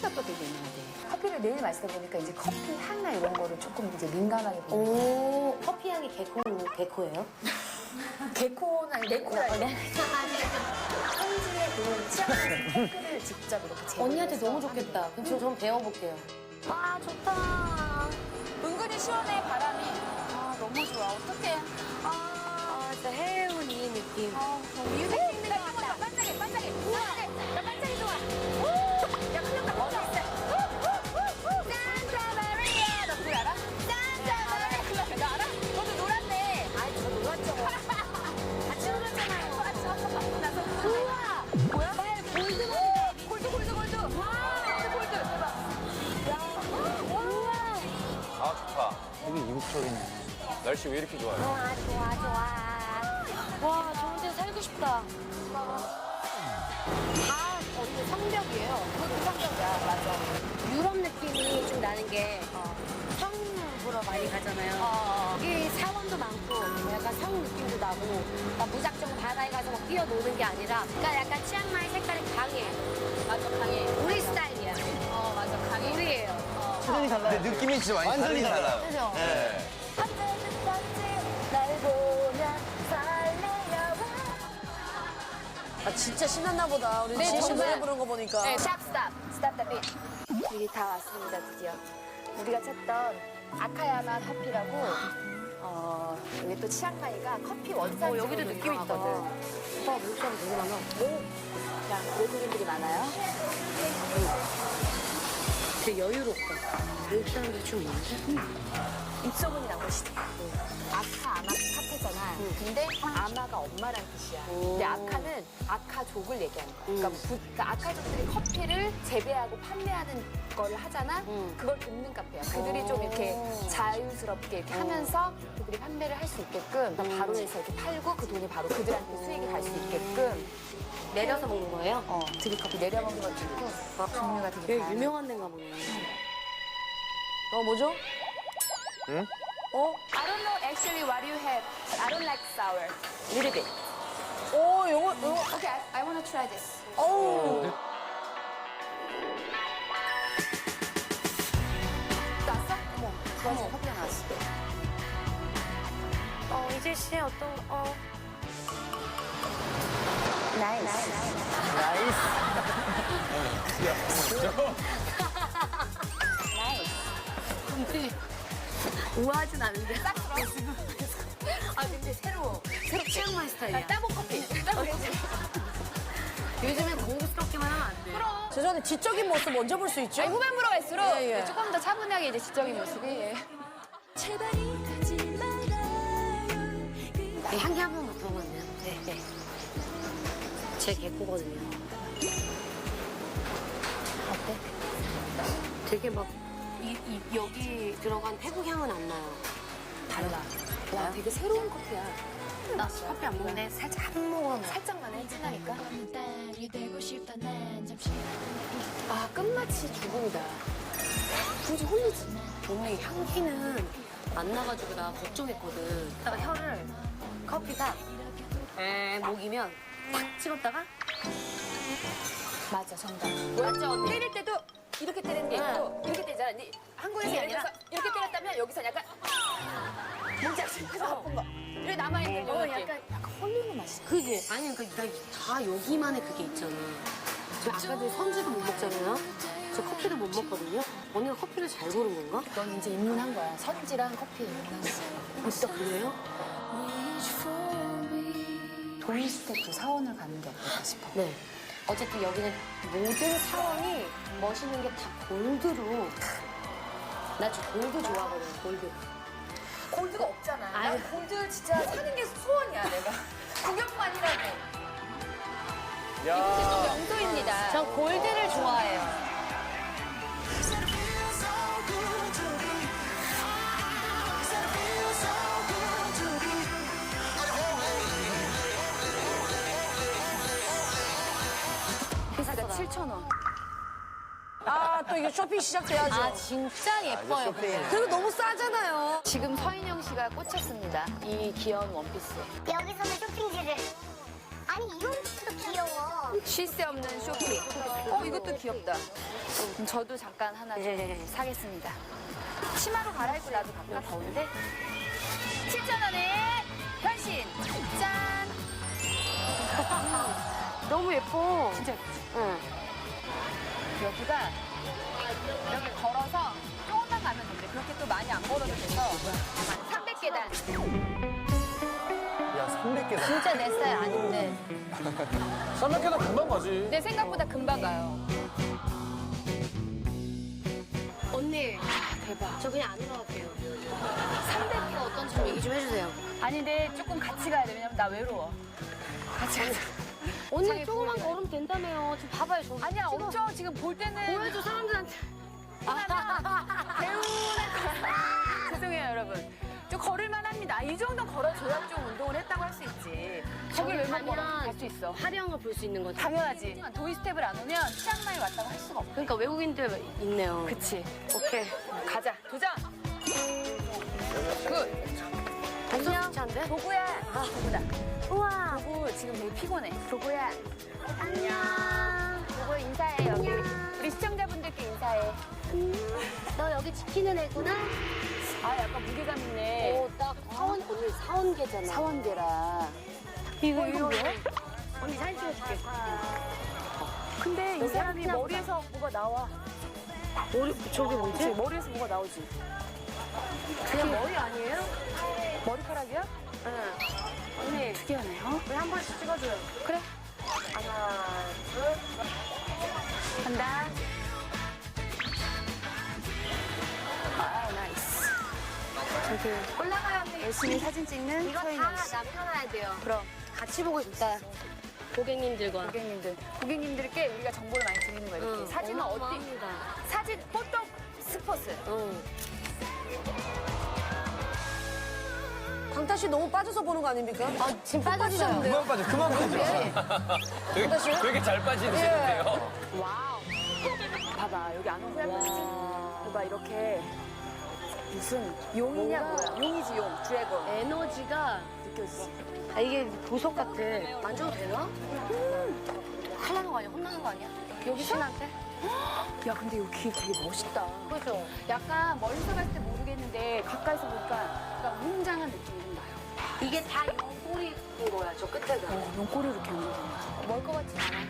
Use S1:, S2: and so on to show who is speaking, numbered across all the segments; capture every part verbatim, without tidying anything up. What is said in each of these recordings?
S1: 커피가 또 되게 유명하대.
S2: 커피를 매일 마시다 보니까 이제 커피 향이나 이런 거를 조금 이제 민감하게 보는
S1: 오, 커피 향이 개코, 개코예요?
S2: 개코나 네코라
S1: 네.
S2: 현지의 그 취향 커피를 직접 이렇게 제공해서
S1: 언니한테 너무 좋겠다. 그럼 저 좀 배워볼게요. 아, 좋다.
S2: 은근히 시원해 바람이. 아 너무 좋아. 어떡해.
S1: 아, 진짜 해운 이 느낌.
S2: 아 너무 이 느낌이 나왔다. 반짝이 반짝이. 우와, 나 반짝이 좋아. 야 큰일 났다. 어디 있어? 산타 마리아. 너 그걸 알아? 산타 마리아. 큰일 났다. 너 알아? 너도 놀았네. 아이 저 놀았죠. 같이 놀았잖아요. 맞죠. 나서 우와. 뭐야? 말 골드 골드 골드 골드. 와 골드 골드. 대박. 야. 우와.
S3: 아, 좋다.
S4: 되게 이국적이네.
S3: 날씨 왜 이렇게 좋아요?
S1: 좋아, 좋아, 좋아. 와, 좋은 데서 살고 싶다.
S2: 다 거기 성벽이에요. 그것도 성벽이야. 맞아.
S1: 유럽 느낌이 좀 나는 게 성 보러 많이 가잖아요.
S2: 어.
S1: 이 사원도 많고 약간 성 느낌도 나고 막 무작정 바다에 가서 막 뛰어노는 게 아니라 그러니까 약간 치앙마이 색깔이 강해.
S2: 맞아 강해.
S1: 우리 스타일이야.
S2: 어 맞아 강해.
S1: 우리예요.
S4: 완전히 달라요.
S3: 근데 느낌이 진짜 많이
S4: 완전히
S3: 다르긴
S4: 달라요.
S3: 달라요.
S2: 그죠?
S3: 네.
S2: 날 보면 설레요.
S5: 아 진짜 신났나 보다. 우리
S2: 네,
S5: 지혜 씨
S2: 정말.
S5: 노래 부르는 거 보니까.
S2: 네, 샵 스탑. 스탑 더 빗. 여기 다 왔습니다, 드디어. 우리가 찾던 아카야마 커피라고 어, 여기 또 치앙마이가 커피 원산지로
S1: 어, 여기도 느낌 있다.
S2: 유명하거든.
S1: 오빠 외국 사람 되게 많아.
S2: 자, 외국인들이 많아요.
S1: 되게 여유롭다. 외국 사람들이 좀 있는데?
S2: 입소문이 난 것이지. 아카 아마 카페잖아. 근데 아마가 엄마란 뜻이야. 근데 아카는 아카족을 얘기하는 거야. 그러니까, 부- 그러니까 아카족들이 커피를 재배하고 판매하는 걸 하잖아.
S1: 음.
S2: 그걸 돕는 카페야. 그들이 좀 이렇게 자유스럽게 이렇게 하면서 그들이 판매를 할 수 있게끔 그러니까 바로 해서 이렇게 팔고 그 돈이 바로 그들한테 수익이 갈 수 있게끔
S1: 내려서 먹는 거예요?
S2: 어, 드립커피 내려 먹는 것도 있고 종류가 되게
S1: 되게
S2: 다양해.
S1: 유명한 데인가 보네.
S5: 어 뭐죠?
S3: 응?
S5: 어?
S2: I don't know actually what you have. I don't like sour. Little bit.
S5: 오 요거 요거.
S2: Okay, I, I want to try this.
S5: 어우.
S2: 나왔어? 어머, 그 와중에 커피가 나왔어.
S1: 어, 이재 씨의 어떤, 어.
S2: 나이스.
S4: 나이스.
S2: 나이스.
S1: 근데 우아하진 않은데.
S2: 딱 들어. 아, 근데 새로워.
S1: 새로 치앙마이 스타일이야.
S2: 따봉 커피. 따봉 커피.
S1: 요즘엔 공부스럽게만 하면 안 돼.
S2: 그럼.
S5: 죄송한데 지적인 모습 먼저 볼 수 있죠?
S2: 아니, 후반부로 갈수록
S5: 예, 예.
S2: 조금 더 차분하게 이제 지적인 모습이. 예.
S1: 네, 향기 한 번 맡아보면 안 돼요? 네, 네. 제 개코거든요.
S2: 어때?
S1: 되게 막, 이, 이, 여기 들어간 태국 향은 안 나요.
S2: 달라. 와, 되게 새로운 커피야.
S1: 나 커피 안 먹는데 살짝 한 모금.
S2: 살짝만 해, 진하니까. 아, 끝맛이 죽음이다. 굳이 홀리지.
S1: 오늘 향기는 안 나가지고 나 걱정했거든. 딱 혀를 커피가 에 목이면 탁 찍었다가
S2: 맞아, 정답.
S1: 맞죠 언니?
S2: 때릴 때도 이렇게 때리는 게 있고 이렇게 때리잖아. 근데 한국에서
S1: 이게
S2: 예를 들어서
S1: 아니라
S2: 이렇게 때렸다면 여기서 약간 뭔지 알지? 그래서 아픈 거. 이렇게 남아있는
S1: 어,
S2: 거
S1: 약간-
S2: 약간 약간 홀리는 맛이.
S1: 그게 아니 그러니까 다 여기만의 그게 있잖아. 저 아까도 선지도 못 먹잖아요. 저 커피도 못 먹거든요. 언니가 커피를 잘 고른 건가?
S2: 넌 이제 입문한 거야. 선지랑 커피 입문한 거야.
S1: 진짜 그래요?
S2: 도이스테프 사원을 가는 게 어떨까 싶어.
S1: 네. 어쨌든 여기는 모든 사원이 멋있는 게 다 골드로. 나 저 골드 좋아하거든, 골드.
S2: 골드가 없잖아.
S1: 아유.
S2: 난 골드 진짜 사는 게 소원이야, 내가. 구경만이라도.
S3: 야.
S2: 또 명소입니다.
S1: 전 골드를 좋아해요.
S2: 비싸다. 칠천 원.
S5: 아 또 이게 쇼핑 시작돼야죠.
S1: 아, 진짜 예뻐요.
S3: 쇼핑.
S5: 그리고 너무 싸잖아요.
S2: 지금 서인영 씨가 꽂혔습니다. 이 귀여운 원피스에.
S6: 여기서는 쇼핑지를 아니 이런 것도 귀여워.
S2: 쉴 새 없는 쇼핑. 어, 이것도 귀엽다. 그럼 저도 잠깐 하나 좀 사겠습니다. 치마로 갈아입고 나도 갈까? 더운데? 칠천 원에 변신! 짠!
S1: 너무 예뻐.
S2: 진짜 예쁘지?
S1: 응.
S2: 여기가 이렇게 걸어서 조금만 가면 된대. 그렇게 또 많이 안 걸어도 돼서 삼백 계단.
S3: 야, 삼백 개다.
S5: 진짜 내 스타일 아닌데.
S3: 삼백 개다 금방 가지.
S2: 내 생각보다 금방 가요.
S1: 언니,
S2: 대박.
S1: 저 그냥 안 올라갈게요. 삼백 개가 어떤지 좀 얘기 좀 해주세요.
S2: 아니, 근데 조금 같이 가야 돼. 왜냐면 나 외로워. 같이 가자.
S1: 언니
S2: 자기
S1: 조금만
S2: 보여줘요.
S1: 걸으면 된다며요. 지금 봐봐요. 저
S2: 아니야,
S1: 찍어.
S2: 엄청 지금 볼 때는
S1: 보여줘 사람들한테.
S2: 죄송해요, 여러분. 좀 걸을만 합니다. 이 정도 걸어줘야 좀 운동을 했다고 할 수 있지. 거길 왜 못 걸어? 갈 수 있어.
S1: 화려한 걸 볼 수 있는 거죠.
S2: 당연하지. 도이 스텝을 안 오면 치앙마이 왔다고 할 수가 없어.
S1: 그러니까 외국인들 있네요.
S2: 그치. 오케이. 가자. 도전! 굿.
S1: 안녕. 좋지
S2: 도구야. 아, 도구다.
S1: 우와.
S2: 도구 지금 되게 피곤해. 도구야.
S1: 안녕.
S2: 도구 인사해, 여기. 우리 시청자분들께 인사해.
S1: 너 여기 지키는 애구나?
S2: 아, 약간 무게감 있네.
S1: 오, 딱 사원, 언니 사원계잖아.
S2: 사원계라.
S1: 이거, 이거 뭐야? 언니 사진 찍어줄게.
S2: 근데 이
S1: 여기
S2: 사람이
S1: 하나
S2: 머리에서 뭐가 나와.
S1: 머리, 저게
S2: 그치?
S1: 뭐지?
S2: 머리에서 뭐가 나오지.
S1: 그냥 머리 아니에요?
S2: 머리카락이야?
S1: 응.
S2: 언니. 특이하네, 어?
S1: 우리 한 번씩 찍어줘요.
S2: 그래.
S1: 하나, 둘.
S2: 간다. 아, 나이스. 저기
S1: 올라가요, 언니.
S2: 열심히 사진 찍는
S1: 이거
S2: 서인영
S1: 다
S2: 씨.
S1: 남겨놔야 돼요.
S2: 그럼
S1: 같이 보고 싶다. 고객님들과.
S2: 고객님들, 고객님들께 우리가 정보를 많이 드리는 거예요. 이렇게.
S1: 응,
S2: 사진은 어디?
S1: 어마어마합니다.
S2: 사진 포토 스포츠.
S1: 응.
S5: 강타 씨 너무 빠져서 보는 거 아닙니까?
S1: 아, 지금 빠졌어요.
S3: 그만 빠져, 그만 빠져. 되게, 되게 잘 빠지는데요.
S2: 와우. 봐봐, 여기 안에 후회하지? 봐봐, 이렇게 무슨 용이냐
S1: 뭔가-
S2: 뭐야? 용이지, 용. 드래곤.
S1: 에너지가
S2: 느껴지지?
S1: 아, 이게 보석 같아. 만져도 되나? 큰일 나는 거 아니야? 혼나는 거 아니야? 여기 신한테?
S2: 야, 근데 여기 되게 멋있다.
S1: 그죠?
S2: 약간 멀리서 봤을 때 모르겠는데 가까이서 보니까 약간 웅장한 느낌이 좀 나요.
S1: 이게 다 용꼬리인 거야, 저 끝에가.
S2: 어, 용꼬리 이렇게 하는 거.
S1: 멀 것 같진 않아.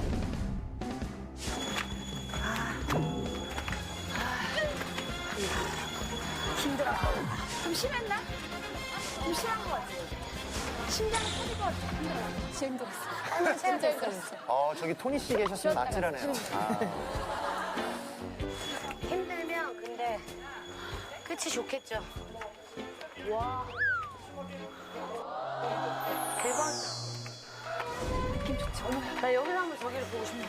S2: 힘들어. 좀 심했나? 좀 심한 것 같아. 심장이 터질 것 같아. 힘들어. 진짜 힘들었어. 진짜 힘들었어.
S3: 어, 저기 토니 씨 계셨으면 아찔하네요. 아.
S1: 힘들면 근데 끝이 좋겠죠. 와. 대박.
S2: 느낌 좋지? 어머,
S1: 나 여기서 한번 저기를 보고 싶네.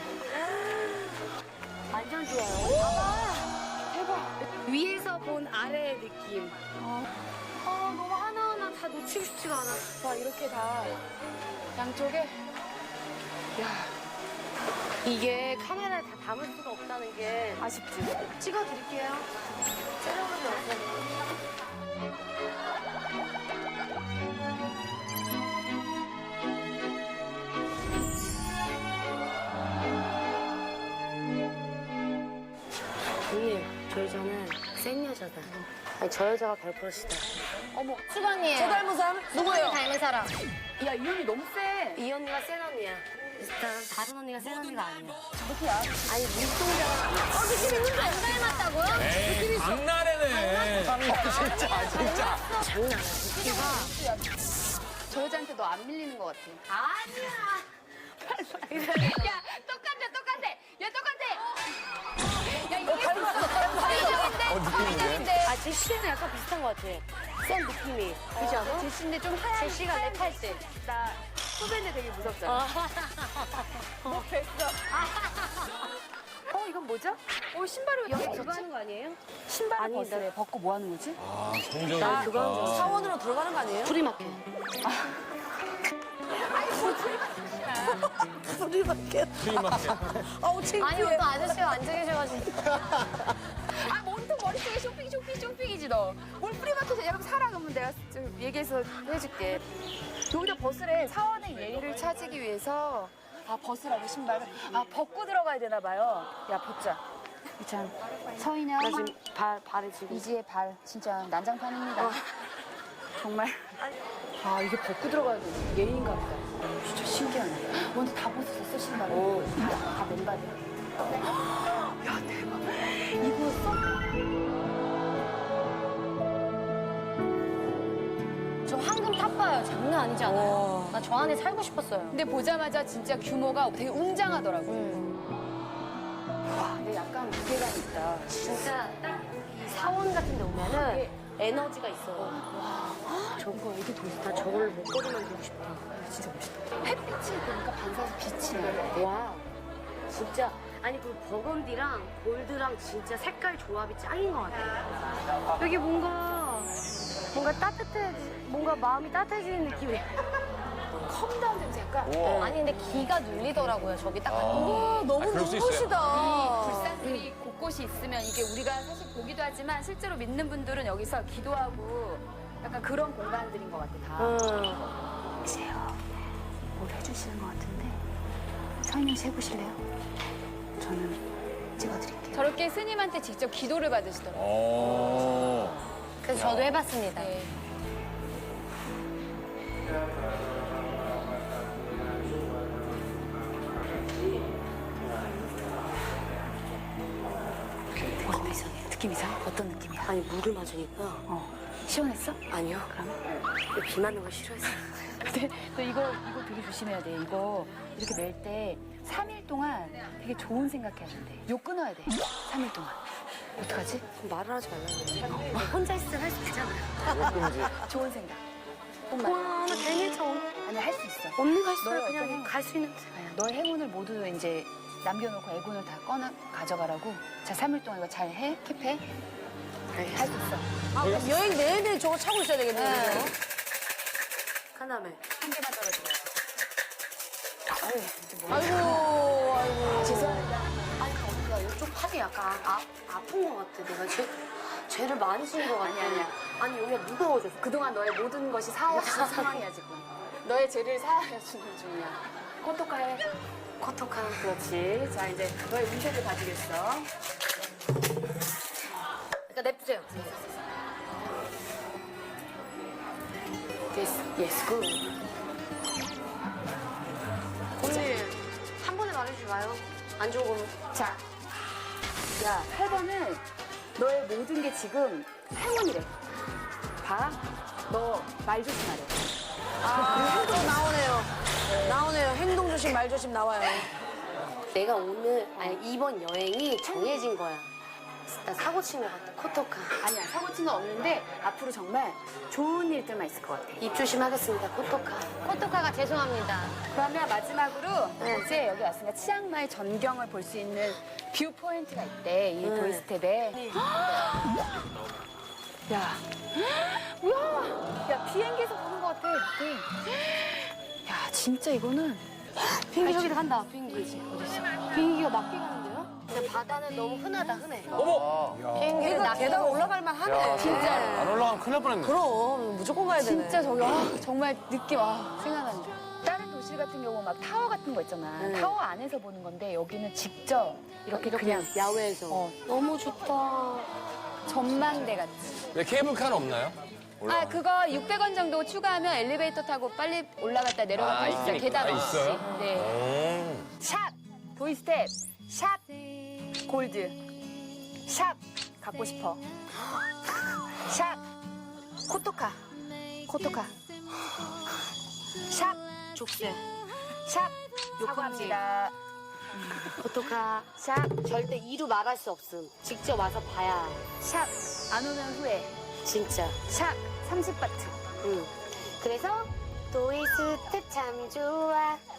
S1: 완전 좋아요. 봐봐. 대박. 위에서 본 아래의 느낌. 아, 너무 하나하나 다 놓치고 싶지가 않아.
S2: 와, 이렇게 다 양쪽에. 야,
S1: 이게 카메라에 다 담을 수가 없다는 게
S2: 아쉽지?
S1: 찍어드릴게요. 촬영하지 마세요. 언니, 저 여자는 센 여자다. 아니, 저 여자가 별크러시다.
S2: 어머,
S1: 수건이에요.
S5: 저 닮은 사람? 누구예요?
S1: 닮은 사람.
S2: 야, 이 언니 너무 세.
S1: 이 언니가 센 언니야. 일단 다른 언니가 센 언니가 아니야.
S2: 저렇게야.
S1: 아니, 눈동자가. 어, 느낌 있는데? 안 닮았다고요?
S3: 에이, 장난해네. 진짜, 진짜.
S1: 장난 아니야. 느낌가.
S2: 저 여자한테 너 안 밀리는 것 같아.
S1: 아니야.
S2: 야, 똑같아, 똑같아. 야, 똑같아. 야, 이게 서민적인데?
S3: 어, 느낌 있네.
S2: 서민적인데?
S1: 아, 제시랑 약간 비슷한 것 같아. 센 느낌이. 그지 않아?
S2: 제시인데 좀 하얀.
S1: 제시가 랩할 때.
S2: 나 후배인데 되게 무섭잖아. 뭐 뵀어. 어, 이건 뭐죠? 어, 신발을
S1: 여기
S2: 여기
S1: 그거 하는 거 아니에요?
S2: 신발을
S1: 아니,
S2: 벗으래. 벗고 뭐 하는 거지?
S3: 아, 성적이.
S1: 나 그거 하는 줄 알았어.
S5: 사원으로 들어가는 거 아니에요?
S1: 프리마켓.
S5: 프리마켓.
S3: 프리마켓.
S5: 아우, 창피해.
S1: 아니, 또 아저씨가 앉아 계셔가지고.
S2: 아, 뭔또 머릿속에 쇼핑, 쇼핑, 쇼핑이지, 너. 뭘 프리마켓에 여러분 사라 그러면 내가 좀 얘기해서 해줄게. 여기다 벗으래. 사원의 예의를 찾기 위해서 아 벗으라고 신발을 아 벗고 들어가야 되나 봐요. 야 벗자. 참 서인영
S1: 나 지금 발, 발에 지금.
S2: 이지의 발 진짜 난장판입니다.
S1: 어.
S2: 정말. 아 이게 벗고 들어가야 되는 예의인가 보다. 어, 진짜 신기하네. 먼저 다 벗었어 신발을.
S1: 오.
S2: 다, 다 맨발이야. 야 대박. 이거 써?
S1: 저 황금 탑봐요. 장난 아니지 않아요? 나 저 안에 살고 싶었어요.
S2: 근데 보자마자 진짜 규모가 되게 웅장하더라고요.
S1: 음.
S2: 와, 근데 약간 무게감 있다.
S1: 진짜 딱 이 사원 같은 데 오면은 에너지가 있어. 와, 저거 애기 도 있다. 저걸 목걸이만 들고 싶다.
S2: 진짜 멋있다. 햇빛을 보니까 반사해서 빛이 나.
S1: 와, 진짜. 아니, 그 버건디랑 골드랑 진짜 색깔 조합이 짱인 것 같아. 여기 뭔가, 뭔가 따뜻해, 뭔가 마음이 따뜻해지는 느낌이.
S2: 컴다운 냄새 약간.
S3: 우와.
S1: 아니, 근데 기가 눌리더라고요. 저기 딱 갔더니.
S5: 와, 너무
S3: 아, 그럴 수 있어요.
S5: 눈부시다.
S2: 불상들이 곳곳이 있으면 이게 우리가 사실 보기도 하지만 실제로 믿는 분들은 여기서 기도하고 약간 그런 공간들인 것 같아, 다.
S1: 음.
S2: 글쎄요. 뭘 해주시는 것 같은데. 설명 해보실래요? 저는 찍어드릴게요. 저렇게 스님한테 직접 기도를 받으시더라고요.
S3: 어.
S1: 그래서 저도 해봤습니다.
S2: 네. 느낌 이상해. 느낌 이상해? 어떤 느낌이야?
S1: 아니, 물을 맞으니까.
S2: 어. 시원했어?
S1: 아니요. 그럼? 비 맞는 걸 싫어했어요.
S2: 근데 너 이거, 이거 되게 조심해야 돼. 이거 이렇게 멜 때 삼 일 동안 되게 좋은 생각해야 된대. 욕 끊어야 돼. 삼 일 동안. 어떡하지?
S1: 말을 하지 말라고. 혼자 있으면 할 수 있잖아요.
S2: 좋은 생각.
S1: 와, 나 괜히 저
S2: 아니, 할 수 있어.
S1: 언니가 있어요.
S2: 너의
S1: 그냥
S2: 어떤
S1: 갈 수 있는.
S2: 아니야, 너의 행운을 모두 이제 남겨놓고 애군을 다 꺼내 가져가라고. 자, 삼 일 동안 이거 잘 해. 킵해. 할 수 있어.
S5: 아, 그럼 여행 내내 저거 차고 있어야 되겠네요.
S2: 네.
S1: 하나매.
S2: 한 개만 떨어져. 아유, 진짜 뭐.
S5: 아이고, 아이고.
S2: 죄송합니다.
S1: 아니, 언니가 이쪽 팔이 약간 아, 아픈 것 같아. 내가 죄, 죄를 많이 지은 것 같아.
S2: 아니, 아니야.
S1: 아니, 여기가 무거워졌어.
S2: 그동안 너의 모든 것이 사하여지는 상황이야, 지금. 너의 죄를 사하여주는 중이야. 코토카해.
S1: 코톡한.
S2: 그렇지. 자, 이제 너의 운세를 봐주겠어.
S1: 그러니까 냅두세요.
S2: 예스, 예스, 굿.
S1: 언니, 한 번에 말해주지 마요. 안 좋은 거면.
S2: 자, 야, 팔 번은 너의 모든 게 지금 행운이래. 봐. 너 말 조심하래.
S5: 아, 또 나오네요. 나오네요. 행동 조심, 말 조심 나와요.
S1: 내가 오늘, 아니, 이번 여행이 정해진 거야. 나 사고 친 것 같아. 코톡한.
S2: 아니야, 사고 친 건 없는데 앞으로 정말 좋은 일들만 있을 것 같아.
S1: 입 조심하겠습니다. 코톡한.
S5: 코토카가 죄송합니다.
S2: 그러면 마지막으로 이제 여기 왔으니까 치앙마이 전경을 볼 수 있는 뷰 포인트가 있대, 이 도이스텝에. 야, 뭐야? 야, 비행기에서 보는 것 같아. 이렇게. 야, 진짜 이거는
S1: 비행기 저기다 간다. 비행기. 어딨어? 비행기가 낮게 가는데요? 근데 바다는 너무 흔하다, 흔해.
S3: 어머.
S1: 비행기는
S5: 이거
S1: 낮게
S5: 계단
S1: 가고.
S5: 올라갈 만 하네.
S2: 진짜.
S3: 안 올라가면 큰일 날 뻔했네.
S5: 그럼 무조건 가야 되네.
S2: 진짜 저기 아, 정말 느낌 아, 생각난다. 다른 도시 같은 경우 막 타워 같은 거 있잖아.
S1: 네.
S2: 타워 안에서 보는 건데 여기는 직접 이렇게, 그냥
S1: 야외에서.
S2: 어,
S1: 너무 좋다.
S2: 전망대 같이.
S3: 왜 케이블카는 없나요?
S2: 아 그거 육백 원 정도 추가하면 엘리베이터 타고 빨리 올라갔다 내려갔다
S3: 아,
S2: 할 수 있어요.
S3: 있으니까.
S2: 계단
S3: 아,
S2: 없이.
S3: 있어요?
S2: 네.
S3: 음.
S2: 샵 도이스텝 샵 골드 샵 갖고 싶어 샵 코토카 코토카 샵
S1: 족쇄.
S2: 샵 사과합니다.
S1: 코토카.
S2: 샵
S1: 절대 이루 말할 수 없음. 직접 와서 봐야.
S2: 샵 안 오면 후회.
S1: 진짜.
S2: 샵 삼십 바트.
S1: 응. 그래서 도이스텝 참 좋아.